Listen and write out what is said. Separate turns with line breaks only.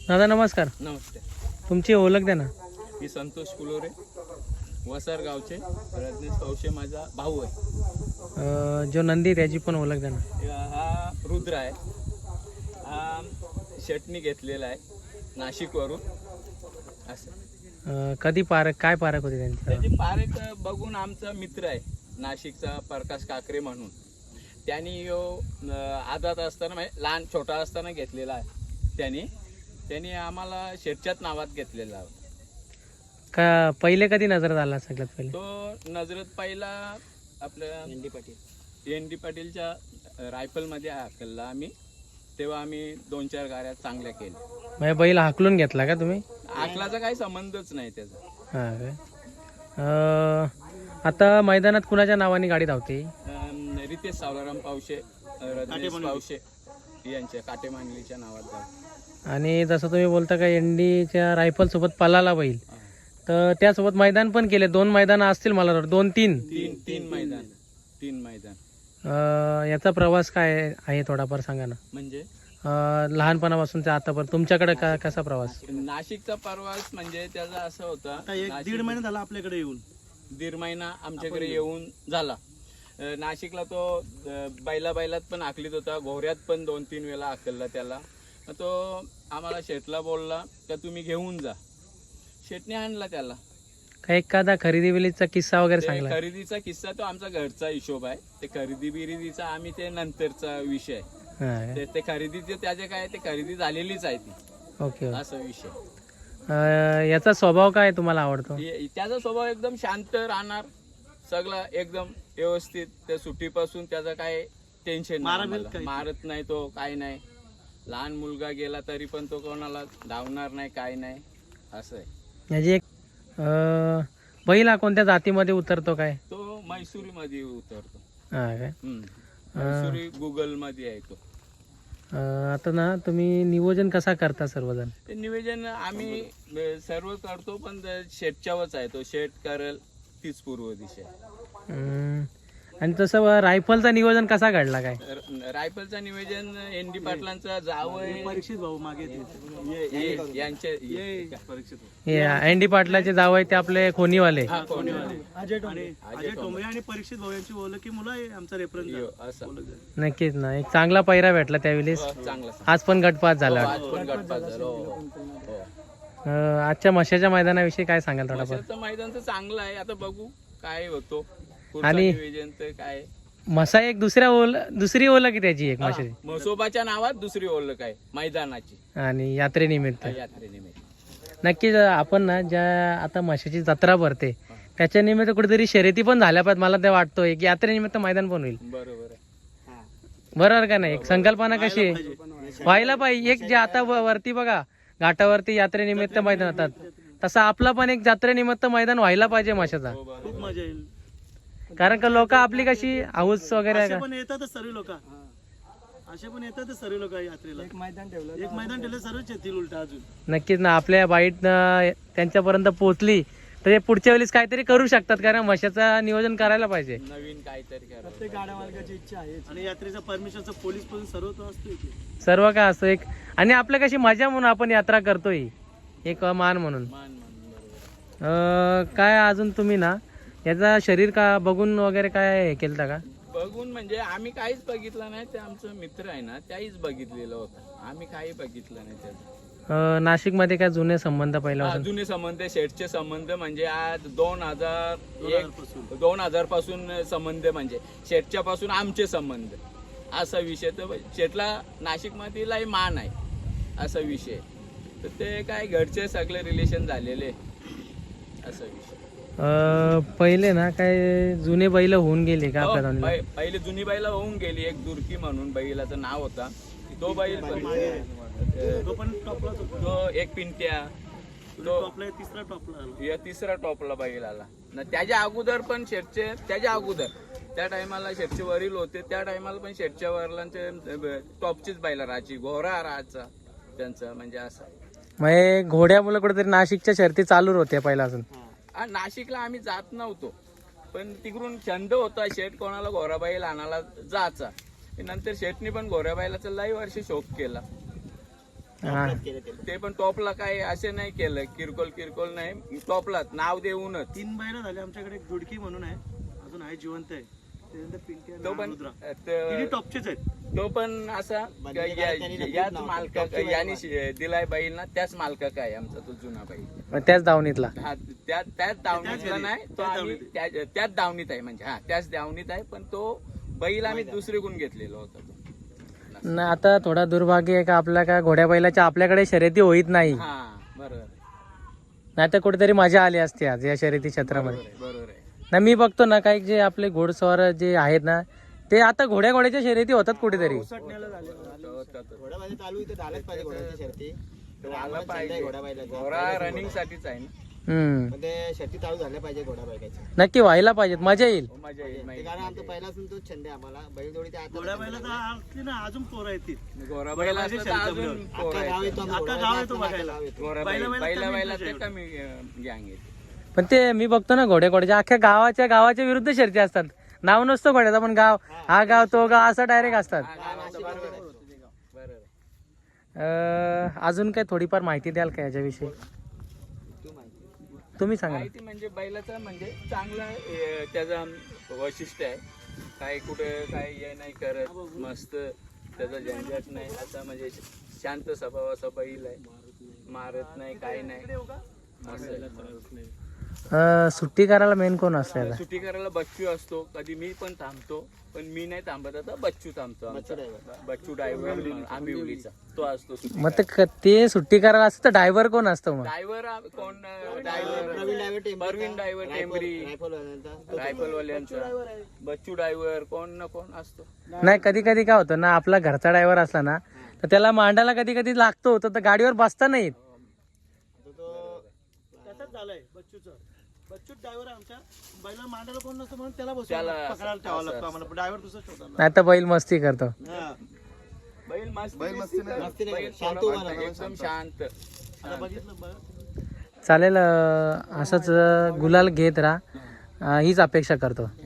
दादा नमस्कार.
नमस्ते.
तुमची ओळख द्या ना.
मी संतोष कुलोरे, वसार गावचे. रजनीश कौशे माझा भाऊ आहे.
जो नंदी त्याची पण ओळख द्या ना.
हा रुद्र आहे. हा शेटनी घेतलेला आहे नाशिकवरून. असं
कधी काय पारख होती त्यांची?
त्याची पारेख बघून आमचा मित्र आहे नाशिकचा प्रकाश काकरे म्हणून. त्यांनी आदात असताना म्हणजे लहान छोटा असताना घेतलेला आहे. त्यांनी आम्हाला शेटच्याच नावात घेतलेला आहे.
का पहिले कधी नजर आला सगळ्यात पहिले?
तो नजरत पहिला आपल्या एन डी पाटीलच्या रायफलमध्ये हाकलला आम्ही. तेव्हा आम्ही 2-4 गाड्या चांगल्या केल्या.
म्हणजे बैल हाकलून घेतला का तुम्ही?
हाकलाचा काही संबंधच नाही त्याचा.
हां काय. आता मैदानात कुणाच्या नावाने गाडी धावते?
रितेश सावलाराम पावशे, रजनीश पावशे यांच्या काटेमांगलीच्या नावात जाऊ.
आणि जसं तुम्ही बोलता का एनडीच्या रायफल सोबत पलाला बैल, तर त्यासोबत मैदान पण केले. 2 मैदान असतील मला वाटतं, 2-3
तीन मैदान.
याचा प्रवास काय आहे थोडाफार सांगा ना.
म्हणजे
लहानपणापासून ते आतापर्यंत तुमच्याकडे कसा प्रवास?
नाशिकचा प्रवास म्हणजे त्याचा असं होता.
1-1.5 महिना झाला आपल्याकडे येऊन.
1.5 महिना आमच्याकडे येऊन झाला. नाशिकला तो बैलात पण आखलीत होता, घोऱ्यात पण 2-3 वेळा आखलला त्याला. तो आम्हाला शेटला बोलला का तुम्ही घेऊन जा. शेटने आणला त्याला.
काही एखादा खरेदी बिलीचा किस्सा वगैरे सांगला?
खरेदीचा किस्सा तो आमचा घरचा हिशोब आहे. ते खरेदी बिरेदीचा आम्ही ते नंतरचा विषय. ते खरेदीचे त्याचे काय ते खरेदी झालेलीच आहे ती.
ओके.
असा विषय.
याचा स्वभाव काय तुम्हाला आवडतो?
त्याचा स्वभाव एकदम शांत राहणार, सगळं एकदम व्यवस्थित. त्या सुट्टीपासून त्याचा काय टेन्शन नाही, मारत नाही तो, काय नाही. लहान मुलगा गेला तरी पण तो कोणाला धावणार नाही, काय नाही. असं आहे.
याची एक बैल कोणत्या जातीमध्ये उतरतो काय?
तो मैसुरी मध्ये उतरतो.
हा काय.
मैसुरी गुगल मध्ये आहे तो.
आता ना तुम्ही नियोजन कसा करता सर्वजण?
ते नियोजन आम्ही सर्व करतो, पण शेटच्यावरच आहे. तो शेट करेल तीच पूर्व दिशा.
आणि तसं रायफलचा नियोजन कसा घडला काय?
रायफलचा नियोजन एन डी पाटलांचा जावं
परीक्षित भाऊ मागे
यांचे
एन डी पाटलाचे जाव आहे ते आपले खोनीवाले.
अजय टोंबरे आणि परीक्षित भाऊ यांची ओळख की मुलं आहे आमचा रेफरन्स.
असं
नक्कीच ना. एक चांगला पैरा भेटला त्यावेळेस.
चांगला.
आज पण गटपास झाला. आजच्या मशाच्या मैदानाविषयी काय सांगाल थोडंफार?
मैदान तर चांगलं आहे. आता बघू काय होतो.
आणि
काय
मसा एक दुसरी ओळख की त्याची एक मशाची
मसोबाच्या नावात दुसरी ओळख आहे मैदानाची
आणि यात्रेनिमित्त.
यात्रेनिमित्त
नक्कीच आपण ना ज्या आता मशाची जत्रा भरते त्याच्या निमित्त कुठेतरी शर्यती पण झाल्या पाहिजे. मला ते वाटतोय की यात्रेनिमित्त मैदान पण होईल. बरोबर का नाही? एक संकल्पना कशी आहे व्हायला पाहिजे. एक जे आता वरती बघा घाटावरती यात्रेनिमित्त मैदान होतात, तसं आपला पण एक जत्रेनिमित्त मैदान व्हायला पाहिजे मशाचा.
खूप मजा येईल.
कारण का लोक आपली कशी हाऊस वगैरे
पण येतातच सर्व लोक. असे पण येतातच सर्व लोक यात्रेला. एक मैदान ठेवलं सर्वच येतील उलटा अजून.
नक्कीच ना. आपल्या बाईट त्यांच्यापर्यंत पोहोचली तर ते पुढच्या वेळेस काहीतरी करू शकतात. कारण मशाचं नियोजन करायला पाहिजे.
नवीन काहीतरी करा.
प्रत्येक गाड्या मालकाची इच्छा आहे. आणि यात्रेचा परमिशनचा पोलीस पण सर्व तो असतो इथे.
सर्व काय असतं एक. आणि आपल्या कशी मजा म्हणून आपण यात्रा करतोय, एक मान म्हणून. काय अजून तुम्ही ना याचा शरीर का बघून वगैरे काय केलं का?
बघून म्हणजे आम्ही काहीच बघितलं नाही. ते आमचं मित्र आहे ना त्याहीच बघितलेलं होतं. आम्ही काही बघितलं नाही त्याचं.
नाशिक मध्ये काय जुने संबंध पहिला?
जुने संबंध, शेटचे संबंध म्हणजे आज 2000 पासून संबंध, म्हणजे शेटच्या पासून आमचे संबंध. असा विषय. तर शेटला नाशिक मधील मान आहे असा विषय. तर ते काय घरचे सगळे रिलेशन झालेले असा विषय.
पहिले ना काय जुने बैल होऊन गेले का आपल्या?
पहिले जुनी बैल होऊन गेली. एक दुर्की म्हणून बैलाचं नाव होता. तो बैल तो एक पिंट्या, तिसरा टॉपला बैल आला ना. त्याच्या अगोदर पण शेटचे, त्याच्या अगोदर त्या टायमाला शेटचे वरील होते. त्या टायमाला पण शेटच्या वडिलांचे टॉपचीच बैल राहायची. घोडा राहायचा त्यांचा. म्हणजे असं
म्हणजे घोड्यामुळे कुठेतरी नाशिकच्या शर्ती चालू होत्या पहिल्यापासून.
नाशिकला आम्ही जात नव्हतो, पण तिकडून छंद होता. शेट कोणाला घोराबाईल आणायला जायचा. नंतर शेटनी पण घोराबाईलाचा लई वर्ष शौक केला.
हा.
ते पण टॉपला काय असे नाही केलं, किरकोळ नाही, टॉपला नाव देऊनच.
3 बैल झाले आमच्याकडे. एक दुडकी म्हणून आहे, अजून आहे जिवंत आहे. त्यानंतर पिंकी आणि
तो पण
रुद्रा.
त-
तिन्ही टॉपचेच आहेत.
तो पण असा याच मालका यांनी दिलाय बैल ना, त्याच मालका काय आमचा तो जुना बैल.
मग त्याच दावणीतला.
हा त्याच दावणीतला नाही तो, आम्ही त्याच दावणीत आहे म्हणजे, हा त्याच दावणीत आहे, पण तो बैल आम्ही दुसरीकडून घेतलेला होता तो.
ना आता थोडा दुर्भाग्य आहे का आपल्या का घोड्या बैलाच्या आपल्याकडे शर्यती होईत नाही.
हा बरोबर
नाही तर कुठेतरी मजा आली असते आज या शर्यती क्षेत्रामध्ये.
बरोबर आहे.
ना मी बघतो ना काही जे आपले घोडस्वार जे आहेत ना, ते आता घोड्याच्या शर्यती होतात कुठेतरी.
उसटण्याला झाले.
चालू इथे झालंच पाहिजे घोड्याची शर्ती.
झालं पाहिजे. घोडा रनिंग साठीच आहे ना.
हम्म,
ते शर्ती चालू झाल्या पाहिजे घोडा बैलाची.
नक्की व्हायला पाहिजेत, मजा येईल.
मजा येईल
ते
माहिती.
कारण आमचा पहिल्यापासून तोच छंद आहे आम्हाला. बैलजोडी ते आता
घोड्या बैलाचा असली ना अजून पोरं येतील.
घोडा बैल असलं तर अजून पोरं
अख्खा गाव
आहेत.
येतो आमचा
अख्खा
घोडा
गाव
बैल,
येतो
अख्खा
बघायला.
गाव येतो.
घोडा
बैला-
बैल
बैला
बैला
कमी
ते कमी गँग येते.
पण ते मी बघतो ना घोड्याच्या अख्ख्या गावाच्या विरुद्ध शर्ती असतात. नाव नसतं घोड्याचा, पण गाव हा गाव तो गाव असं डायरेक्ट असतात.
बरोबर.
अजून काय थोडीफार माहिती द्याल का याच्याविषयी? तुम्ही सांगा ना.
माहिती म्हणजे बैलाचं म्हणजे चांगलं त्याचं वैशिष्ट्य आहे. काय कुठे काय हे नाही करत, मस्त त्याचा झंझट नाही, असा म्हणजे शांत स्वभावाचा बैल आहे, मारत नाही काय नाही.
सुट्टी करायला मेन कोण असतं याला?
सुट्टी करायला बच्चू असतो, कधी मी पण थांबतो, पण मी नाही थांबत. आता बच्चू थांबतो आमचा. बच्चू ड्रायव्हर आंबिवलीचा तो असतो सुट्टी
मग ते सुट्टी करायला असतं तर ड्रायव्हर कोण असतो मग?
ड्रायव्हर कोण
प्रवीण ड्रायव्हर टेंबरी,
परवीन ड्रायव्हर टेंबरी
रायफलवाल्यांचा.
रायफलवाल्यांचा बच्चू ड्रायव्हर कोण ना कोण असतो.
नाही, कधी कधी काय होतं ना, आपला घरचा ड्रायव्हर असला ना तर त्याला मांडायला कधी कधी लागतो, तर गाडीवर बसता नाही येत.
तसंच झालंय बच्चूचं. बच्चू ड्रायव्हर आमच्या बैला मांडायला कोण नसतं म्हणून त्याला
त्याला
पकडायला ठेवावं लागतं आम्हाला. ड्रायव्हर दुसरा शोधायला.
नाही तर बैल मस्ती करतो.
हा.
बैल मस्ती
मस्ती नाही
बैल
करत. शांत
थोडा
उभा राहतो,
एकदम शांत.
आता बघितलं बघ.
चालेल, असंच गुलाल घेत राहा हीच अपेक्षा करतो.